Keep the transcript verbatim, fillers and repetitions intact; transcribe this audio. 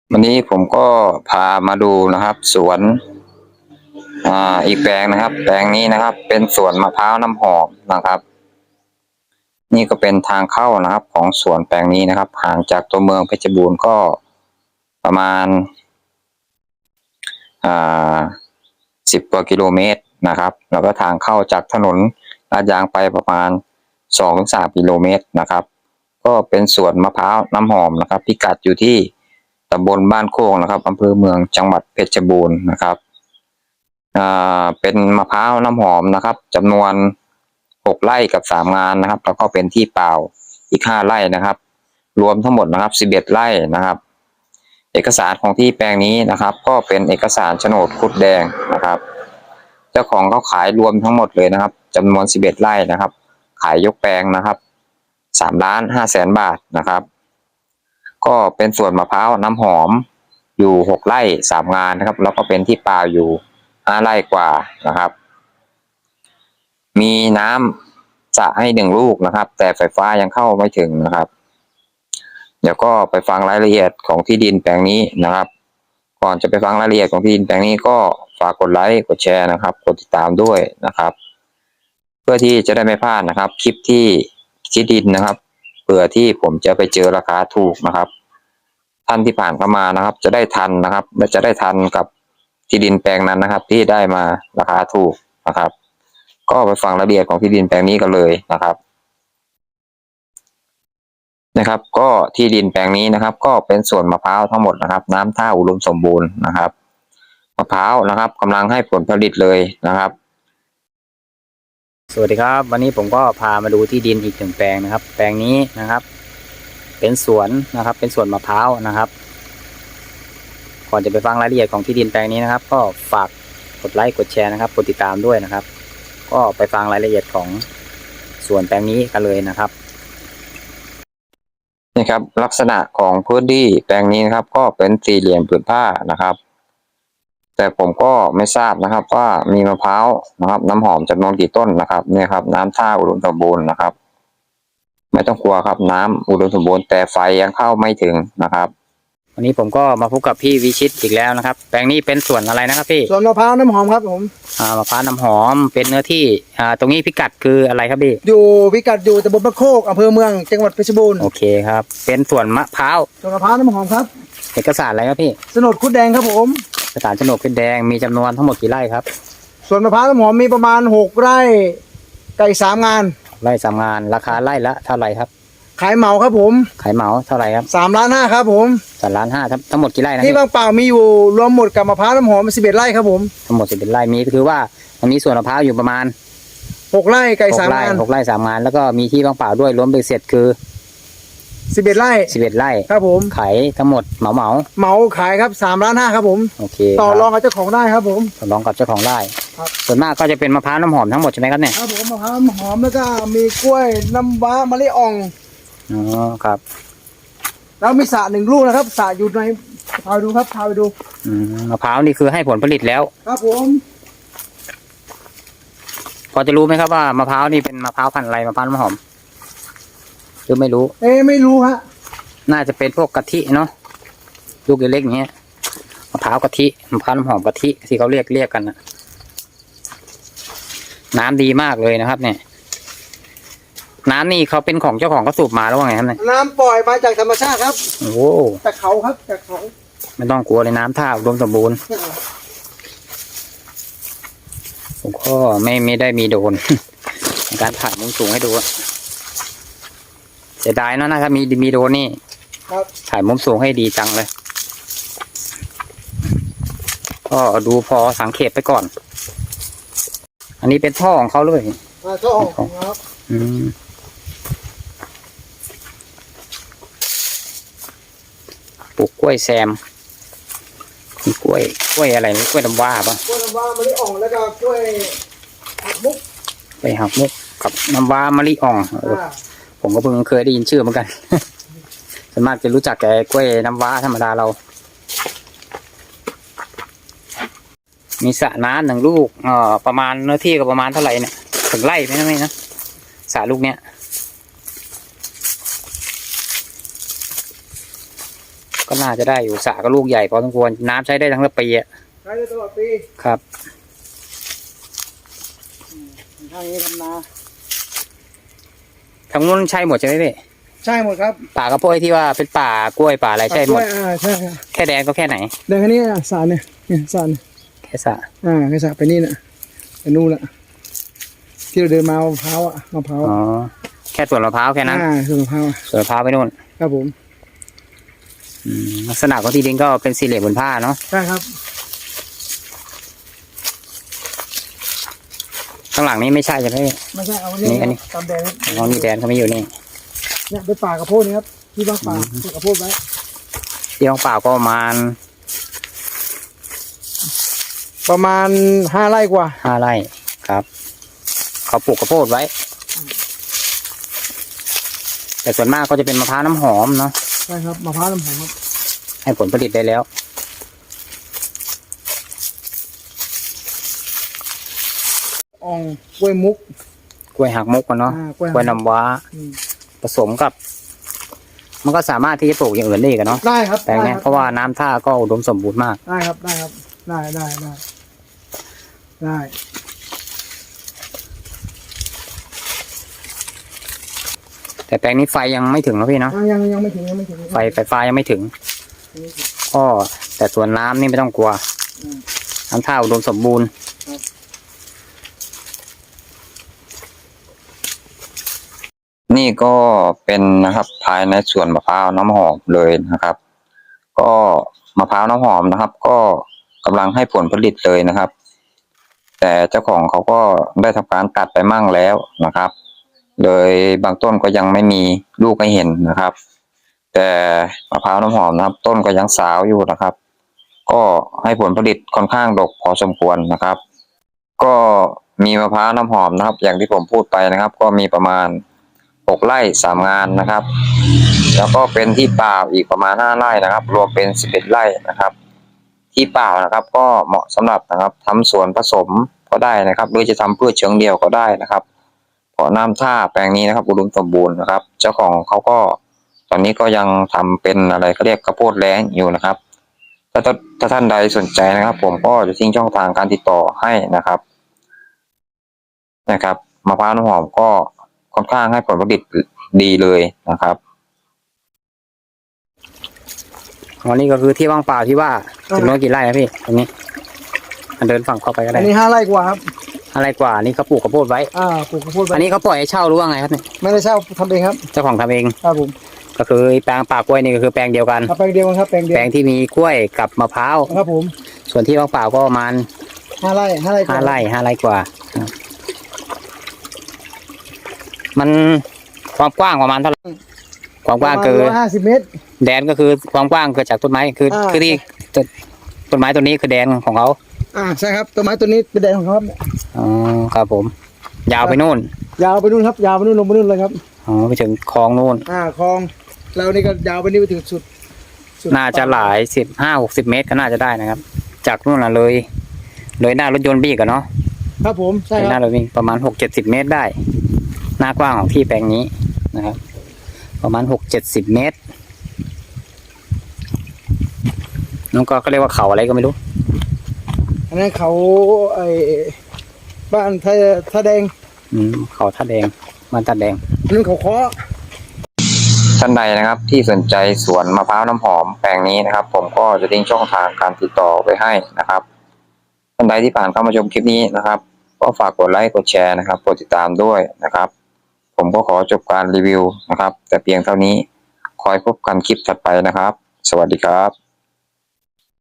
วันนี้ผมก็พามาดูนะครับสวนอ่าอีกแปลงนะครับแปลงนี้นะครับเป็นสวนมะพร้าวน้ำหอมนะครับนี่ก็เป็นทางเข้านะครับของสวนแปลงนี้นะครับห่างจากตัวเมืองเพชรบูรณ์ก็ประมาณอ่าสิบกว่ากิโลเมตรนะครับแล้วก็ทางเข้าจากถนนลาดยางไปประมาณสองถึงสามกิโลเมตรนะครับก็เป็นสวนมะพร้าวน้ำหอมนะครับพิกัดอยู่ที่ตำบลบ้านโคกนะครับอำเภอเมืองจังหวัดเพชรบูรณ์นะครับอ่าเป็นมะพร้าวน้ำหอมนะครับจำนวนหกไร่กับสามงานนะครับแล้วก็เป็นที่เปล่าอีกห้าไร่นะครับรวมทั้งหมดนะครับสิบเอ็ดไร่นะครับเอกสารของที่แปลงนี้นะครับก็เป็นเอกสารโฉนดคุดแดงนะครับเจ้าของเขาขายรวมทั้งหมดเลยนะครับจำนวนสิบเอ็ดไร่นะครับขายยกแปลงนะครับสามล้านห้าแสนบาทนะครับก็เป็นสวนมะพร้าวน้ำหอมอยู่หกไร่สามงานนะครับแล้วก็เป็นที่เปล่าอยู่ห้าไร่กว่านะครับมีน้ำสระให้หนึ่งลูกนะครับแต่ไฟฟ้ายังเข้าไม่ถึงนะครับเดี๋ยวก็ไปฟังรายละเอียดของที่ดินแปลงนี้นะครับก่อนจะไปฟังรายละเอียดของที่ดินแปลงนี้ก็ฝากกดไลค์กดแชร์นะครับกดติดตามด้วยนะครับเพื่อที่จะได้ไม่พลาดนะครับคลิปที่ที่ดินนะครับเผื่อที่ผมจะไปเจอราคาถูกนะครับท่านที่ผ่านเข้ามานะครับจะได้ทันนะครับและจะได้ทันกับที่ดินแปลงนั้นนะครับที่ได้มาราคาถูกนะครับก็ไปฟังรายละเอียดของที่ดินแปลงนี้กันเลยนะครับนะครับก็ที่ดินแปลงนี้นะครับก็เป็นสวนมะพร้าวทั้งหมดนะครับน้ำท่าอุดมสมบูรณ์นะครับมะพร้าวนะครับกำลังให้ผลผลิตเลยนะครับสวัสดีครับวันนี้ผมก็พามาดูที่ดินอีกหนึ่งแปลงนะครับแปลงนี้นะครับเป็นสวนนะครับเป็นสวนมะพร้าวนะครับก่อนจะไปฟังรายละเอียดของที่ดินแปลงนี้นะครับก็ฝากกดไลค์กดแชร์นะครับกดติดตามด้วยนะครับก็ไปฟังรายละเอียดของสวนแปลงนี้กันเลยนะครับนี่ครับลักษณะของพื้นที่แปลงนี้นะครับก็เป็นสี่เหลี่ยมผืนผ้านะครับแต่ผมก็ไม่ทราบนะครับว่ามีมะพร้าวนะครับน้ำหอมจำนวนกี่ต้นนะครับเนี่ยครับน้ำท่าอุดมสมบูรณ์นะครับไม่ต้องกลัวครับน้ำอุดมสมบูรณ์แต่ไฟยังเข้าไม่ถึงนะครับวันนี้ผมก็มาพบกับพี่วิชิตอีกแล้วนะครับแปลงนี้เป็นสวนอะไรนะครับพี่สวนมะพร้าวน้ำหอมครับผมอ่ามะพร้าวน้ำหอมเป็นเนื้อที่อ่าตรงนี้พิกัดคืออะไรครับพี่อยู่พิกัดอยู่ตำบลบ้านโคกอำเภอเมืองจังหวัดเพชรบูรณ์โอเคครับเป็นสวนมะพร้าวสวนมะพร้าวน้ำหอมครับเอกสารอะไรครับพี่โฉนดคุดแดงครับผมเอกสารโฉนดเป็นแดงมีจำนวนทั้งหมดกี่ไร่ครับสวนมะพร้าวน้ำหอมมีประมาณหกไร่ไก่สามงานไร่สามงานราคาไร่ละเท่าไหร่ครับขายเหมาครับผมขายเหมาเท่าไหร่ครับสามล้านห้าครับผมสามล้านห้าทั้งหมดกี่ไร่นะที่บางเปล่ามีอยู่รวมหมดกับมะพร้าวน้ำหอมสิบเอ็ดไร่ครับผมทั้งหมดสิบเอ็ดไร่มีก็คือว่าตรงนี้สวนมะพร้าวอยู่ประมาณหกไร่ไก่สามงานหกไร่สามงานแล้วก็มีที่บางเปล่าด้วยรวมเป็นเสร็จคือสิบเอ็ดไร่สิบเอ็ดไร่ครับผมขายทั้งหมดเหมาเหมาเหมาขายครับสามล้านห้าครับผมโอเคต่อรองกับเจ้าของได้ครับผมต่อรองกับเจ้าของได้ครับส่วนมากก็จะเป็นมะพร้าวน้ำหอมทั้งหมดใช่ไหมครับเนี่ยครับผมมะพร้าวน้ำหอมแล้วก็มีกล้วยน้ำว้ามะลิอ่องอ๋อครับแล้วมีสระหนึ่งลูกนะครับสระอยู่ในพาไปดูครับพาไปดูอืมมะพร้าวนี่คือให้ผลผลิตแล้วครับผมพอจะรู้ไหมครับว่ามะพร้าวนี่เป็นมะพร้าวพันธุ์อะไรมะพร้าวน้ำหอมหรือไม่รู้เอ๊ไม่รู้ฮะน่าจะเป็นพวกกะทิเนาะลูกเล็กๆอย่างเงี้ยมะพร้าวกะทิมะพร้าวน้ำหอมกะทิที่เขาเรียกเรียกกันนะน้ำดีมากเลยนะครับเนี่ยน้ำนี่เขาเป็นของเจ้าของเขาสูบมาแล้วว่าไงครับเนี่ยน้ำปล่อยมาจากธรรมชาติครับโอ้จากเขาครับจากเขาไม่ต้องกลัวเลยน้ำท่าอุดมสมบูรณ์ผมก็ไม่ไม่ได้มีโดนในการถ่ายมุมสูงให้ดูเสียดายเนาะนะถ้ามีมีโดนนี่ถ่ายมุมสูงให้ดีจังเลยก็ดูพอสังเกตไปก่อนอันนี้เป็นท่อของเขาเลยท่อของครับอืมปลูกกล้วยแซมมีกล้วยกล้วยอะไรนี่กล้วยน้ำว้าป่ะกล้วยน้ำว้ามะลิอ่องแล้วก็กล้วยหักมุกกล้วยหักมุกกับน้ำว้ามะลิอ่องผมก็เพิ่งเคยได้ยินชื่อเหมือนกันส่วนมากจะรู้จักแก่กล้วยน้ำว้าธรรมดาเรามีสระน้ำหนึ่งลูกเอ่อประมาณเนื้อที่ก็ประมาณเท่าไหร่เนี่ยถึงไร่ไหมนะไม่นะสระลูกเนี้ยก็ก็น่าจะได้อยู่สระก็ลูกใหญ่พอสมควรน้ำใช้ได้ทั้งปีอ่ะใช้ได้ตลอดปีครับทางนี้ทำนาทางนู้นใช่หมดใช่ไหมพี่ใช่หมดครับป่ากระโพยที่ว่าเป็นป่ากล้วยป่าอะไรใช่หมดอ่าใช่ครับแค่แดงก็แค่ไหนเดินแค่นี้อ่ะสระเนี่ยเนี่ยสระเนี่ยแค่สระอ่าแค่สระไปนี่น่ะไปนู่นละที่เราเดินมามะพร้าวอ่ะมะพร้าวอ๋อแค่สวนมะพร้าวแค่นั้นอ่าส่วนมะพร้าวอ่ะสวนมะพร้าวไปนู่นครับผมอืมลักษณะของที่ดินก็เป็นสี่เหลี่ยมผืนผ้าเนาะใช่ครับข้างหลังนี้ไม่ใช่ใช่ไหมพี่ไม่ใช่เอานี่นี่อันนี้ตามแดงน้องนี่แดนเขาไม่อยู่นี่เนี่ยเป็นป่ากระโพดนี่ครับที่บ้านป่าปลูกกระโพดไว้ที่ของป่าก็ประมาณประมาณห้าไร่กว่าห้าไร่ครับ เขาปลูกข้าวโพดไว้ แต่ส่วนมากก็จะเป็นมะพร้าวน้ำหอมเนาะใช่ครับมะพร้าวน้ำหอมครับให้ผลผลิตได้แล้วอ่องกล้วยมุกกล้วยหักมุกกันเนาะอ่ากล้วยกล้วยน้ำว้าอืมผสมกับ มันก็สามารถที่จะปลูกอย่างอื่นได้อีกันเนาะได้ครับแปลงเนี้ยได้คบเพราะว่าน้ำท่าก็อุดมสมบูรณ์มากได้ครับได้ครับได้ได้ได้ได้แต่แปลงนี้ไฟยังไม่ถึงนะพี่เนาะอ่ายังยังไม่ถึงยังไม่ถึงไฟไฟฟ้ายังไม่ถึงก็แต่ส่วนน้ำนี่ไม่ต้องกลัวอืมน้ำท่าอุดมสมบูรณ์ครับนี่ก็เป็นนะครับภายในสวนมะพร้าวน้ำหอมเลยนะครับ ก็มะพร้าวน้ำหอมนะครับ ก็กำลังให้ผลผลิตเลยนะครับ แต่เจ้าของเขาก็ได้ทำการตัดไปมั่งแล้วนะครับ เลยบางต้นก็ยังไม่มีลูกให้เห็นนะครับ แต่มะพร้าวน้ำหอมนะครับ ต้นก็ยังสาวอยู่นะครับ ก็ให้ผลผลิตค่อนข้างดกพอสมควรนะครับ ก็มีมะพร้าวน้ำหอมนะครับ อย่างที่ผมพูดไปนะครับ ก็มีประมาณหกไร่สามงานนะครับ แล้วก็เป็นที่เปล่าอีกประมาณห้าไร่นะครับ รวมเป็นสิบเอ็ดไร่นะครับ ที่เปล่านะครับ ก็เหมาะสำหรับนะครับทำสวนผสมก็ได้นะครับ หรือจะทำพืชเชิงเดียวก็ได้นะครับเพราะน้ำท่าแปลงนี้นะครับอุดมสมบูรณ์นะครับ เจ้าของเขาก็ตอนนี้ก็ยังทำเป็นอะไรเขาเรียกข้าวโพดแล้งอยู่นะครับ ถ้าถ้าท่านใดสนใจนะครับ ผมก็จะทิ้งช่องทางการติดต่อให้นะครับนะครับมะพร้าวน้ำหอมก็ค่อนข้างให้ผลผลิตดีเลยนะครับอ๋อนี่ก็คือที่ว่างเปล่าที่ว่าจำนวนกี่ไร่ครับพี่ตรงนี้อันเดินฝั่งเข้าไปก็อัได้นนี้ห้าไร่กว่าครับอะไรกว่านี่เขาปลูกข้าวโพดไว้อ่าปลูกกระโพดไว้อันนี้เขาปล่อยให้เช่าหรือว่าไงครับเนี่ยไม่ได้เช่าทำเองครับเจ้าของทำเองครับผมก็คือแปลงป่ากล้วยนี่ก็คือแปลงเดียวกันครับแปลงเดียวกันครับแปลงเดียวแปลงที่มีกล้วยกับมะพร้าวครับผมส่วนที่ว่างเปล่าก็ประมาณห้าไร่ห้าไร่กว่าห้าไร่ห้าไร่กว่าครับมันความกว้างประมาณเท่าไหร่ความกว้างประคือมาณร้อยห้าสิบเมตรแดนก็คือความกว้างเกิดจากต้นไม้คืออ่าคือที่ต้นต้นไม้ต้นนี้คือแดนของเขาอ่าใช่ครับต้นไม้ต้นนี้เป็นแดงของเขาครับเนี่ยอ๋อครับผม ยาวไปนู่นยาวไปนู่นครับยาวไปนู่นลงไปนู่นเลยครับอ๋อไปถึงคลองนู่นอ่าคลองเรานี่ก็ยาวไปนี่ไปถึงสุดสุดน่าจะหลายสิบห้าหกสิบเมตรก็น่าจะได้นะครับ จากนู่นน่ะเลยเลยหน้ารถยนต์บีกันเนาะครับผมใช่เลยหคน้ารับรถวิ่งประมาณหกเจ็ดสิบเมตรได้ หน้ากว้างของที่แปลงนี้นะครับ ประมาณหกเจ็ดสิบเมตรน้องก็เขาเรียกว่าเขาอะไรก็ไม่รู้อันนั้นเขาไอ้บ้านท่าท่าแดงอืมเขาท่าแดงมันท่าแดงอันนั้นเขาเคาะท่านใดนะครับที่สนใจสวนมะพร้าวน้ำหอมแปลงนี้นะครับ ผมก็จะทิ้งช่องทางการติดต่อไปให้นะครับท่านใดที่ผ่านเข้ามาชมคลิปนี้นะครับ ก็ฝากกดไลค์กดแชร์นะครับกดติดตามด้วยนะครับ ผมก็ขอจบการรีวิวนะครับ แต่เพียงเท่านี้คอยพบกันคลิปถัดไปนะครับ สวัสดีครับ